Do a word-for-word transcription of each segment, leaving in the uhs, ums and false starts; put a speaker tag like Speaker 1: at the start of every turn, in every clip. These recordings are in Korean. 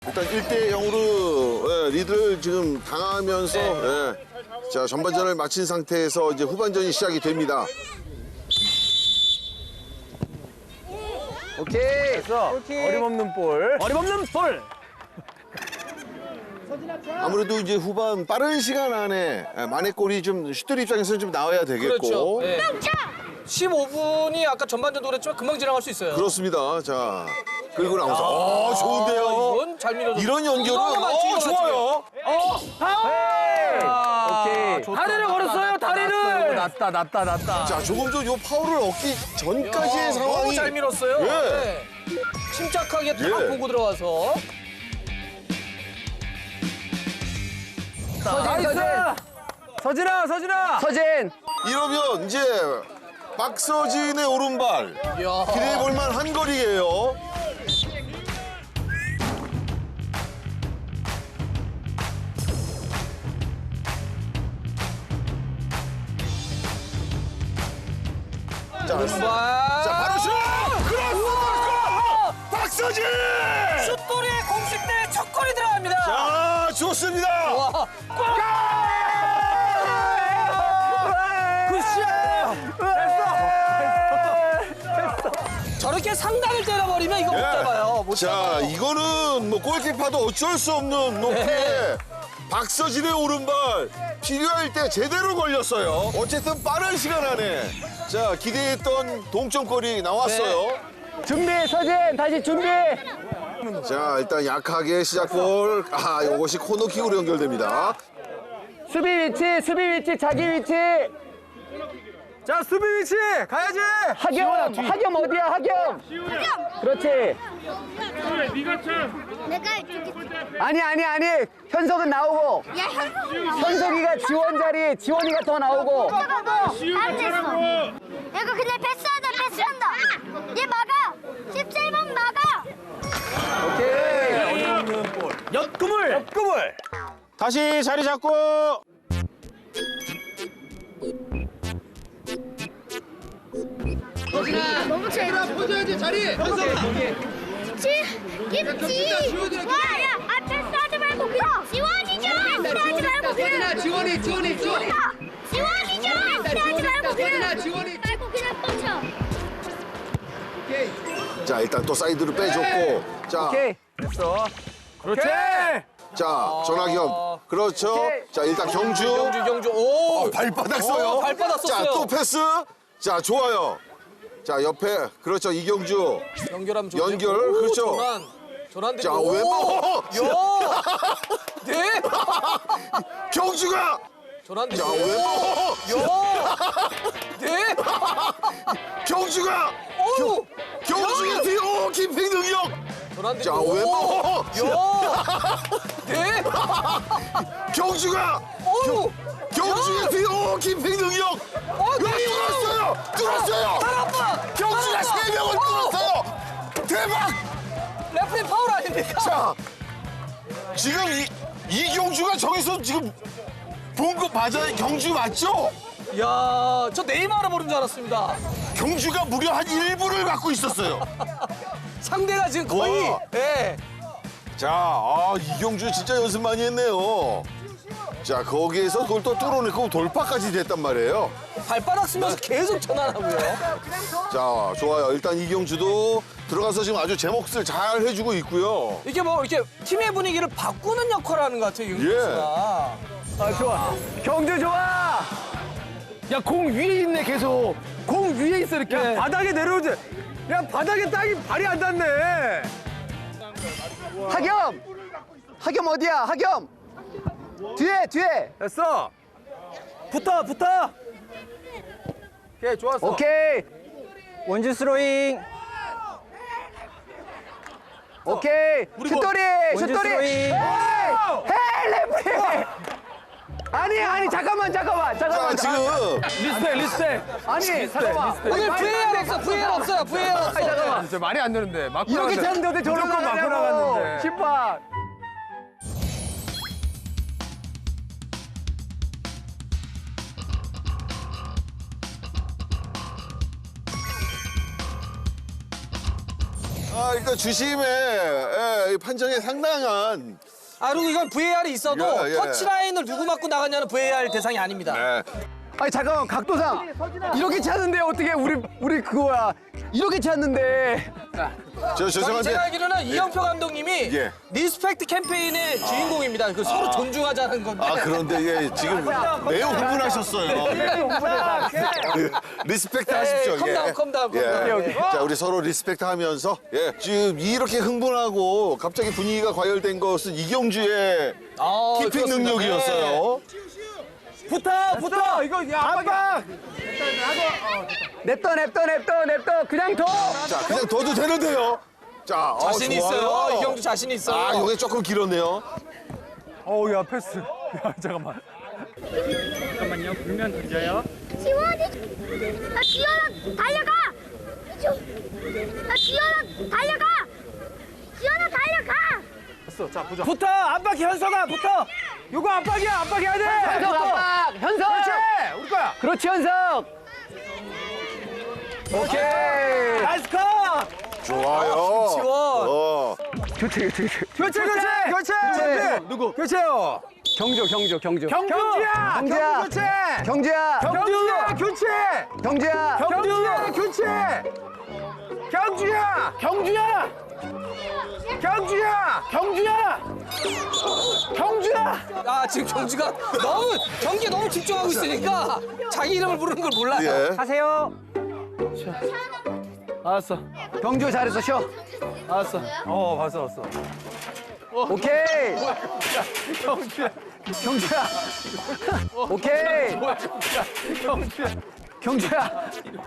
Speaker 1: 일단 일 대 영으로 예, 리드를 지금 당하면서 예, 자 전반전을 마친 상태에서 이제 후반전이 시작이 됩니다.
Speaker 2: 오케이.
Speaker 3: 됐어. 어림없는 볼. 어림없는 볼.
Speaker 1: 아무래도 이제 후반 빠른 시간 안에 예, 만회 골이 좀 슈터 입장에서는 좀 나와야 되겠고
Speaker 4: 그렇죠. 네. 십오 분이 아까 전반전도 그랬지만 금방 지나갈 수 있어요.
Speaker 1: 그렇습니다. 자 그리고 나오서 어 좋은데요.
Speaker 4: 아, 이건 잘 밀어줬
Speaker 1: 이런 연결은
Speaker 4: 이거 맞지,
Speaker 1: 어
Speaker 4: 이거
Speaker 1: 좋아요.
Speaker 4: 어, 파울! 아,
Speaker 3: 오케이.
Speaker 4: 좋다, 다리를 걸었어요, 다리를.
Speaker 3: 났다, 났다, 났다.
Speaker 1: 자 조금 전 요 파울을 얻기 전까지의
Speaker 4: 야,
Speaker 1: 상황이
Speaker 4: 너무 잘 밀었어요.
Speaker 1: 예.
Speaker 4: 네. 침착하게 딱
Speaker 1: 예.
Speaker 4: 보고 들어와서.
Speaker 3: 나이스. 서진아, 서진아.
Speaker 2: 서진.
Speaker 1: 이러면 이제 박서진의 오른발
Speaker 4: 이야.
Speaker 1: 기대해 볼 만한 거리예요. 자,
Speaker 4: 왼발.
Speaker 1: 자 바로 슛! 크로스! 박서진!
Speaker 4: 슛돌이의 공식 대 첫 골이 들어갑니다.
Speaker 1: 자, 좋습니다.
Speaker 4: 와. 저렇게 상단을 때려버리면 이거 못 잡아요. 못
Speaker 1: 자,
Speaker 4: 잡아요.
Speaker 1: 이거는 뭐 골키퍼도 어쩔 수 없는 높이에
Speaker 4: 네.
Speaker 1: 박서진의 오른발 필요할 때 제대로 걸렸어요. 어쨌든 빠른 시간 안에 자 기대했던 동점골이 나왔어요.
Speaker 2: 준비, 서진. 다시 준비.
Speaker 1: 자, 일단 약하게 시작골. 아, 이것이 코너킥으로 연결됩니다.
Speaker 2: 수비 위치, 수비 위치, 자기 위치.
Speaker 3: 자, 수비 위치 가야지.
Speaker 2: 하겸, 하겸 어디야, 하겸? 그렇지.
Speaker 5: 내가 이쪽에
Speaker 2: 아니, 아니, 아니. 현석은 나오고.
Speaker 5: 야 현석
Speaker 2: 현석이가 지원 자리, 지원이가 더 나오고.
Speaker 5: 알겠어. 내가 그냥 패스하자 패스한다. 얘 막아. 십칠 번 막아.
Speaker 2: 오케이.
Speaker 3: 옆구물. 옆구물.
Speaker 6: 다시 자리 잡고
Speaker 5: 너무 잘했어.
Speaker 4: 보여줘야지 자리.
Speaker 5: 지, 김치. 와, 야, 아 패스하지 말고 그냥 지원이죠. 패스하지 말고 그냥.
Speaker 4: 지원이, 지원이, 지원이.
Speaker 5: 지원이죠. 패스하지 말고 그냥.
Speaker 4: 지원이.
Speaker 5: 말고 그냥 뻗쳐.
Speaker 1: 자, 일단 또 사이드로 빼줬고. 자,
Speaker 2: 오케이.
Speaker 3: 됐어. 그렇지.
Speaker 1: 자, 전학현. 그렇죠. 자, 일단 경주.
Speaker 4: 경주, 경주. 오.
Speaker 1: 어, 발바닥 써요.
Speaker 4: 어, 발바닥 썼어요.
Speaker 1: 자, 또 패스. 자, 좋아요. 자, 옆에. 그렇죠. 이경주.
Speaker 4: 연결하면 좋죠.
Speaker 1: 연결,
Speaker 4: 오,
Speaker 1: 그렇죠.
Speaker 4: 전환. 전환
Speaker 1: 자,
Speaker 4: 됐고.
Speaker 1: 왼발.
Speaker 4: 오, 야. 네.
Speaker 1: 경주가.
Speaker 4: 전환
Speaker 1: 자,
Speaker 4: 됐고.
Speaker 1: 왼발.
Speaker 4: 야. 네.
Speaker 1: 경주가.
Speaker 4: 오.
Speaker 1: 경주의 뒤. 오, 김핑 능력.
Speaker 4: 전환 됐고.
Speaker 1: 자,
Speaker 4: 오.
Speaker 1: 왼발.
Speaker 4: 야. 네.
Speaker 1: 경주가.
Speaker 4: 오.
Speaker 1: 경주의 뒤. 오, 김핑 능력.
Speaker 4: 어,
Speaker 1: 여기 뚫었어요. 뚫었어요.
Speaker 4: 아빠.
Speaker 1: 경주가 세 명을 뚫었어요. 대박.
Speaker 4: 레프리 파울 아닙니까?
Speaker 1: 자, 지금 이, 이경주가 저기서 지금 본 거 맞아요? 경주 맞죠?
Speaker 4: 야, 저 네이마르 보는 줄 알았습니다.
Speaker 1: 경주가 무려 한 일 분을 갖고 있었어요.
Speaker 4: 상대가 지금 거의.
Speaker 1: 와.
Speaker 4: 예.
Speaker 1: 자, 아, 이경주 진짜 연습 많이 했네요. 자, 거기에서 그걸 또 뚫어내고 돌파까지 됐단 말이에요.
Speaker 4: 발바닥 쓰면서 계속 전환하고요.
Speaker 1: 자, 좋아요. 일단 이경주도 들어가서 지금 아주 제 몫을 잘 해주고 있고요.
Speaker 4: 이게 뭐 이렇게 팀의 분위기를 바꾸는 역할을 하는 것 같아요, 윤
Speaker 1: 예.
Speaker 4: 선수가.
Speaker 3: 아, 좋아. 경주 좋아. 야, 공 위에 있네, 계속. 공 위에 있어, 이렇게. 야, 바닥에 내려오지. 야, 바닥에 땅이 발이 안 닿네.
Speaker 2: 하겸. 하겸 어디야, 하겸? 뒤에, 뒤에.
Speaker 3: 됐어. 붙어, 붙어. 오케이, 좋았어.
Speaker 2: 오케이. 원주 스로잉. 오케이. 슛돌이, 슛돌이. 헤이, 헤이, 레프리. 아니, 아니, 잠깐만, 잠깐만,
Speaker 1: 자,
Speaker 2: 잠깐만.
Speaker 1: 지금
Speaker 3: 리스펙, 리스펙.
Speaker 2: 아니, 잠깐만.
Speaker 4: 오늘 브이알 없어, 브이알 없어요, 브이알 없어.
Speaker 2: 아니, 잠깐만.
Speaker 3: 진짜 말이 안 되는데. 맞고
Speaker 2: 이렇게
Speaker 3: 나갔는데.
Speaker 2: 쳤는데 어떻게 저런
Speaker 3: 무조건 맞고 나갔는데.
Speaker 2: 심판.
Speaker 1: 아, 일단 주심의 예, 이 판정에 상당한
Speaker 4: 아 그리고 이건 브이에이알이 있어도
Speaker 1: 예, 예.
Speaker 4: 터치라인을 누구 맞고 나갔냐는 브이에이알 대상이 아닙니다.
Speaker 1: 예.
Speaker 3: 아니 잠깐만 각도상 이렇게 찼는데 어떻게 우리 우리 그거야 이렇게 찼는데
Speaker 1: 저
Speaker 4: 저기
Speaker 1: 죄송한데
Speaker 4: 제가 알기로는 이영표 감독님이
Speaker 1: 예.
Speaker 4: 리스펙트 캠페인의 주인공입니다. 그 서로 존중하자는 건데.
Speaker 1: 아 그런데 예, 지금 매우 흥분하셨어요. 리스펙트 하십시오.
Speaker 4: 에이, 컴다운, 컴다운,
Speaker 1: 예.
Speaker 4: 컴다운.
Speaker 1: 예. 자 우리 서로 리스펙트 하면서 예. 지금 이렇게 흥분하고 갑자기 분위기가 과열된 것은 이경주의
Speaker 4: 아,
Speaker 1: 키핑
Speaker 4: 그렇습니다.
Speaker 1: 능력이었어요.
Speaker 3: 붙어 붙어 이거 야 압박 냅둬 냅둬 냅둬 냅둬 그냥 둬
Speaker 1: 자 그냥 둬도 되는데요. 자 어,
Speaker 4: 자신
Speaker 1: 좋아요.
Speaker 4: 있어요. 이경주 자신 있어요.
Speaker 1: 아 이게 조금 길었네요.
Speaker 3: 어우 야 패스 야 잠깐만
Speaker 2: 잠깐만요. 불면 던져요.
Speaker 5: 지원이 나 지원아 달려가 나 지원아 달려가 지원아 달려가
Speaker 3: 붙어 압박 현서가 붙어 요거 압박이야 압박해야 돼
Speaker 2: 현석 압박! 현석!
Speaker 3: 그렇지 우리 거야
Speaker 2: 그렇지, 현석!
Speaker 3: 오케이 나이스 컷
Speaker 1: 좋아요.
Speaker 4: 지원.
Speaker 1: 어.
Speaker 2: 교체, 교체, 교체.
Speaker 3: 교체 교체 교체
Speaker 2: 교체.
Speaker 3: 누구 교체요
Speaker 2: 경주, 경주, 경주.
Speaker 3: 경주야
Speaker 2: 경주야.
Speaker 3: 경주 교체
Speaker 2: 경주야!
Speaker 3: 경주야 교체
Speaker 2: 경주야!
Speaker 3: 경주야 교체 경주야 경주야 경주야 경주야 경주야
Speaker 4: 아 지금 경주가 너무 경기에 너무 집중하고 있으니까 자기 이름을 부르는 걸 몰라요.
Speaker 1: 예.
Speaker 3: 하세요 알았어
Speaker 2: 경주 잘했어, 쉬어.
Speaker 3: 알았어 어 봤어 봤어
Speaker 2: 오케이!
Speaker 3: 경주야
Speaker 2: 경주야! 오케이!
Speaker 3: 경주야
Speaker 2: 경주야!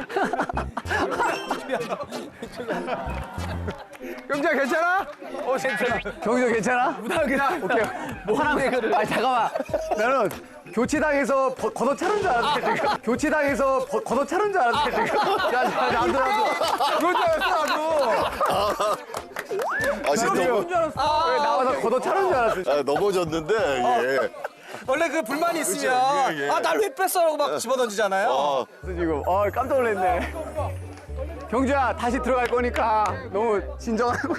Speaker 3: 경주야 괜찮아? 어 괜찮아
Speaker 2: 경주 괜찮아?
Speaker 3: 무당이야
Speaker 2: 오케이. 화난, 아니, 잠깐만. 나는 교체당해서 버- 걷어차는 줄 알았는데, 지금. 교체당해서 버- 걷어차는 줄 알았는데, 지금. 야, 야, 나도, 나도.
Speaker 3: 그럴 줄 알았어 나도
Speaker 1: 아 지금 넘어,
Speaker 2: 왜 나와서 걷어차는 줄 알았어.
Speaker 1: 아, 넘어졌는데 예.
Speaker 4: 원래 그 불만이 있으면
Speaker 1: 예, 예.
Speaker 4: 아 날 왜 뺐어라고 막 집어던지잖아요.
Speaker 1: 어.
Speaker 2: 지금. 어, 깜짝 놀랐네. 경주야, 다시 들어갈 거니까 너무 진정하고.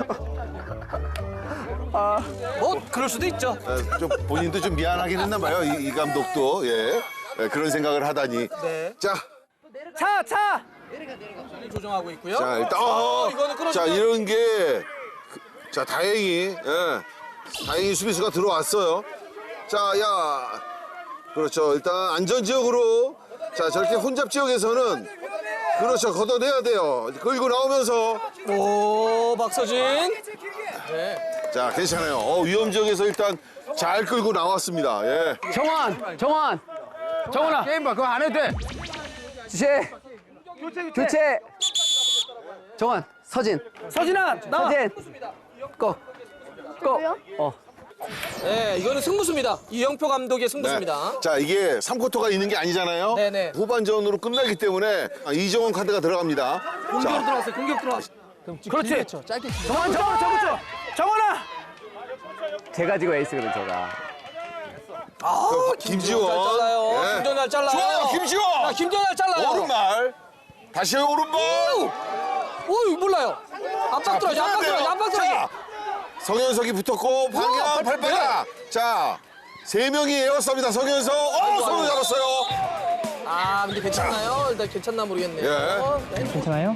Speaker 2: 아,
Speaker 4: 뭐 그럴 수도 있죠.
Speaker 1: 아, 좀 본인도 좀 미안하긴 했나 봐요. 이, 이 감독도 예. 예, 그런 생각을 하다니.
Speaker 4: 네.
Speaker 1: 자,
Speaker 3: 차 차.
Speaker 4: 조정하고 있고요.
Speaker 1: 자 일단 어,
Speaker 4: 이거는 끊어주면-
Speaker 1: 자 이런 게 자 다행히 예, 다행히 수비수가 들어왔어요. 자, 야, 그렇죠. 일단 안전 지역으로 자 저렇게 혼잡 지역에서는 그렇죠 걷어내야 돼요. 끌고 나오면서
Speaker 4: 오 박서진.
Speaker 1: 자 괜찮아요. 어, 위험 지역에서 일단 잘 끌고 나왔습니다. 예.
Speaker 2: 정원! 정원!
Speaker 3: 정훈아 게임 봐 그거 안 해도 돼
Speaker 2: 주체! 교체! 정원! 서진!
Speaker 3: 서진아 나와
Speaker 2: 서진! 고! 고! 어.
Speaker 4: 네 이거는 승부수입니다. 이영표 감독의
Speaker 1: 네.
Speaker 4: 승부수입니다.
Speaker 1: 자 이게 삼 쿼터가 있는 게 아니잖아요.
Speaker 4: 네네.
Speaker 1: 후반전으로 끝나기 때문에 이정원 카드가 들어갑니다.
Speaker 4: 공격
Speaker 1: 자,
Speaker 4: 들어왔어요. 공격 들어왔어요.
Speaker 3: 그렇지 정원 정원 정원 정원아
Speaker 2: 제가 지금 에이스거든, 제가.
Speaker 4: 아
Speaker 1: 김지원.
Speaker 4: 잘 잘라요.
Speaker 1: 예.
Speaker 4: 김지원 잘 잘라요.
Speaker 1: 좋아요, 김지원.
Speaker 4: 야, 김지원 잘 잘라요.
Speaker 1: 오른발. 다시 오른발.
Speaker 4: 오 몰라요. 압박 들어야지. 압박 들어야지. 압박 들어야지.
Speaker 1: 자, 성현석이 붙었고 방향
Speaker 4: 어,
Speaker 1: 발바닥. 자, 세 명이 에어쌉니다. 성현석. 어, 손을 잡았어요.
Speaker 4: 아 근데 괜찮나요? 일단 괜찮나 모르겠네요.
Speaker 1: 예.
Speaker 4: 네.
Speaker 2: 괜찮아요?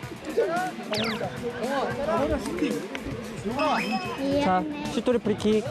Speaker 2: 자, 슛돌이 프리킥.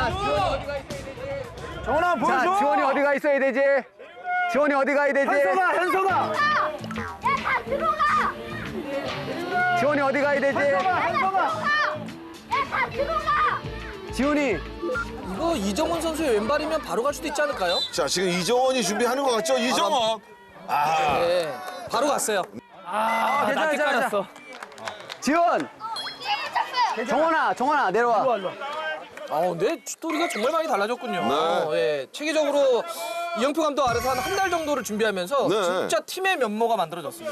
Speaker 3: 정원아
Speaker 2: 자,
Speaker 3: 보여줘
Speaker 2: 지원이 어디 가 있어야 되지? 지원이 어디 가야 되지?
Speaker 3: 현서가 현서가
Speaker 5: 야다 들어가
Speaker 2: 지원이 어디 가야 되지?
Speaker 3: 현서가
Speaker 5: 야다 들어가
Speaker 2: 지원이.
Speaker 4: 이거 이정훈 선수의 왼발이면 바로 갈 수도 있지 않을까요?
Speaker 1: 자, 지금 이정원이 준비하는 것 같죠? 이정원.
Speaker 4: 네. 바로 갔어요.
Speaker 3: 아 괜찮아 괜찮아
Speaker 2: 지원! 정원아, 정원아, 내려와.
Speaker 4: 아 근데 스토리가 정말 많이 달라졌군요.
Speaker 1: 네.
Speaker 4: 예, 체계적으로 이영표 감독 아래서 한 한 달 정도를 준비하면서
Speaker 1: 네.
Speaker 4: 진짜 팀의 면모가 만들어졌습니다.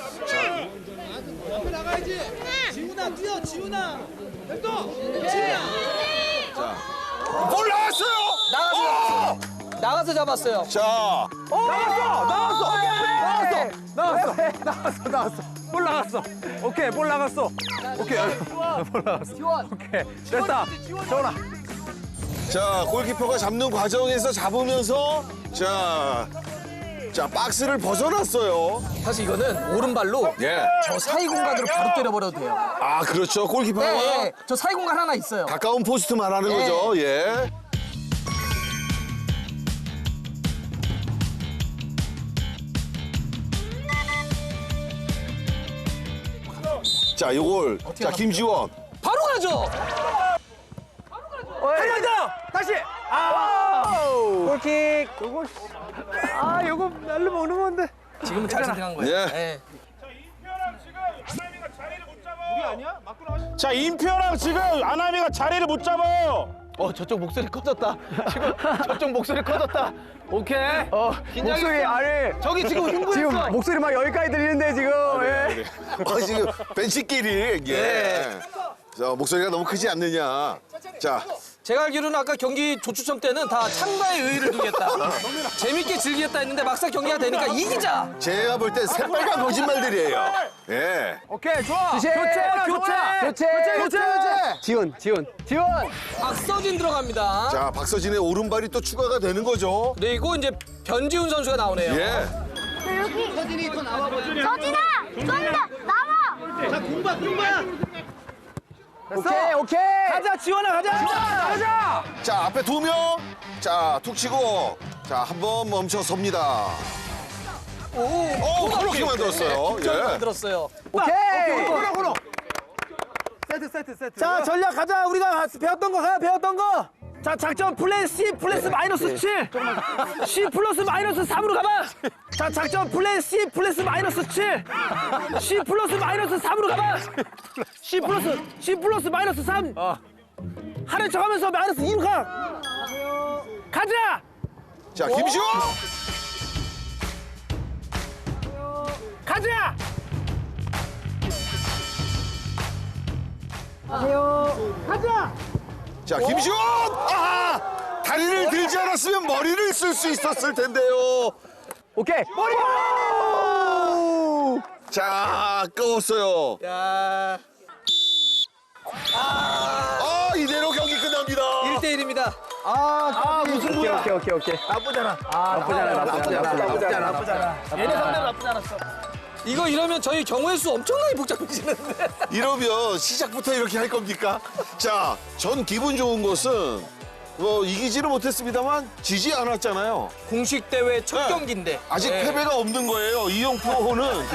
Speaker 1: 볼 나왔어요.
Speaker 4: 나가서 나가서 잡았어요.
Speaker 1: 자,
Speaker 3: 나왔어 나왔어 나왔어 나왔어 나왔어 나왔어 볼 나갔어. 오케이, 볼 나갔어. 오케이, 볼 나갔어. 오케이, 됐다. 정원아.
Speaker 1: 자, 골키퍼가 잡는 과정에서 잡으면서 자, 자 박스를 벗어났어요.
Speaker 4: 사실 이거는 오른발로
Speaker 1: 예.
Speaker 4: 저 사이 공간으로 바로 때려버려도 돼요.
Speaker 1: 아, 그렇죠. 골키퍼가
Speaker 4: 네, 네. 저 사이 공간 하나 있어요.
Speaker 1: 가까운 포스트 말하는
Speaker 4: 네.
Speaker 1: 거죠. 예. 자, 요걸 자, 김지원.
Speaker 4: 바로 가죠.
Speaker 3: 한명 더! 다시! 아! 골킥! 요거, 아, 요거 날로 먹는 건데.
Speaker 4: 지금은 잘 선택한 거예요.
Speaker 1: 예.
Speaker 4: 네.
Speaker 6: 자, 임표랑 지금 아나미가 자리를 못 잡아요.
Speaker 3: 어, 저쪽 목소리 커졌다. 지금 저쪽 목소리 커졌다. 오케이. 어, 목소리 아래. 저기 지금 흥분했어. 지금 목소리 막 여기까지 들리는데 지금. 예.
Speaker 1: 어, 지금 벤치끼리 예. 자, 목소리가 너무 크지 않느냐. 자,
Speaker 4: 제가 알기로는 아까 경기 조추첨 때는 다 참가의 의의를 두겠다. 재밌게 즐기겠다 했는데 막상 경기가 되니까 이기자.
Speaker 1: 제가 볼 땐 새빨간 거짓말들이에요. 예.
Speaker 3: 오케이, 좋아.
Speaker 2: 교체,
Speaker 3: 교체,
Speaker 2: 교체, 교체, 교체, 교체. 지원, 지원, 지원.
Speaker 4: 박서진 들어갑니다.
Speaker 1: 자, 박서진의 오른발이 또 추가가 되는 거죠.
Speaker 4: 그리고 이제 변지훈 선수가 나오네요.
Speaker 1: 예.
Speaker 5: 여기 서진이 더 나와 서진아 좀 더 나와.
Speaker 2: 오케이, 오케이.
Speaker 3: 가자, 지원아, 가자. 가자.
Speaker 1: 자, 앞에 두 명. 자, 툭 치고. 자, 한 번 멈춰 섭니다.
Speaker 4: 오,
Speaker 1: 오, 그렇게 만들었어요.
Speaker 4: 잘
Speaker 1: 예.
Speaker 4: 만들었어요.
Speaker 2: 오케이.
Speaker 3: 코너, 코너. 세트, 세트, 세트. 자, 전략 가자. 우리가 배웠던 거 가, 배웠던 거. 자, 작전 플랜 C 플러스 마이너스 칠. C 플러스 마이너스 삼으로 가봐. 자, 작전 플랜 C 플러스 마이너스 칠. C 플러스 마이너스 삼으로 가봐. C 플러스 C 플러스 마이너스 삼. 하는 척하면서 마이너스 이로 가. 가자.
Speaker 1: 자, 김시호.
Speaker 3: 가자.
Speaker 1: 자, 김시호. 아! 다리를 들지 않았으면 머리를 쓸 수 있었을 텐데요.
Speaker 2: 오케이. 머리.
Speaker 1: 자, 끄웠어요.
Speaker 4: 야,
Speaker 1: 아, 이대로 경기 끝납니다.
Speaker 4: 일 대 일입니다.
Speaker 2: 아, 무슨 오케이, 오케이, 오케이, 오케이.
Speaker 3: 나쁘잖아.
Speaker 2: 나쁘잖아, 나쁘잖아, 나쁘잖아,
Speaker 3: 나쁘잖아. 얘네 상대로 나쁘지 않았어.
Speaker 4: 이거 이러면 저희 경우의 수 엄청나게 복잡해지는데.
Speaker 1: 이러면 시작부터 이렇게 할 겁니까? 자, 전 기분 좋은 것은 뭐 이기지는 못했습니다만 지지 않았잖아요.
Speaker 4: 공식 대회 첫
Speaker 1: 네.
Speaker 4: 경기인데.
Speaker 1: 아직
Speaker 4: 네.
Speaker 1: 패배가 없는 거예요. 이용표는.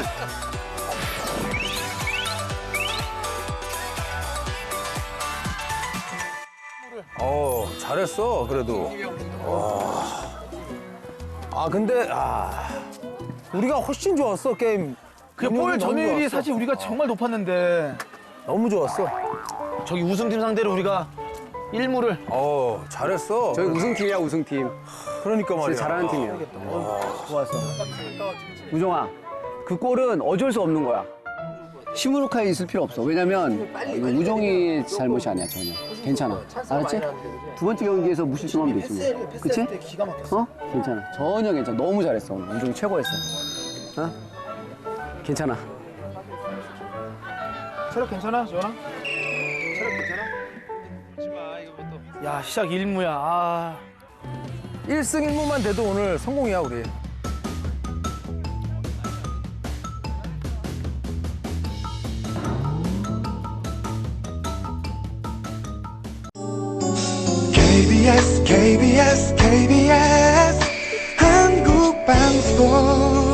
Speaker 3: 어, 잘했어, 그래도. 와. 아, 근데, 아. 우리가 훨씬 좋았어, 게임.
Speaker 7: 그볼 점유율이 사실 우리가 정말 높았는데
Speaker 3: 너무 좋았어.
Speaker 7: 저기 우승팀 상대로 우리가 일 무를
Speaker 3: 어, 잘했어.
Speaker 2: 저희 우승팀이야, 우승팀.
Speaker 3: 그러니까 말이야.
Speaker 2: 진짜 잘하는 팀이야. 좋았어. 우정아, 그 골은 어쩔 수 없는 거야. 시무룩하게 있을 필요 없어. 왜냐면 이거 우정이 잘못이 아니야, 전혀. 괜찮아. 알았지? 두 번째 경기에서 무실점하면 되지 뭐. 그치? 어? 괜찮아. 전혀 괜찮아. 너무 잘했어. 오늘. 우정이 최고였어. 어? 괜찮아.
Speaker 7: 체력 괜찮아, 지원아? 야, 시작 일 무야. 아.
Speaker 3: 일 승 일 무만 돼도 오늘 성공이야, 우리.
Speaker 8: 케이비에스 케이비에스 케이비에스 한국방송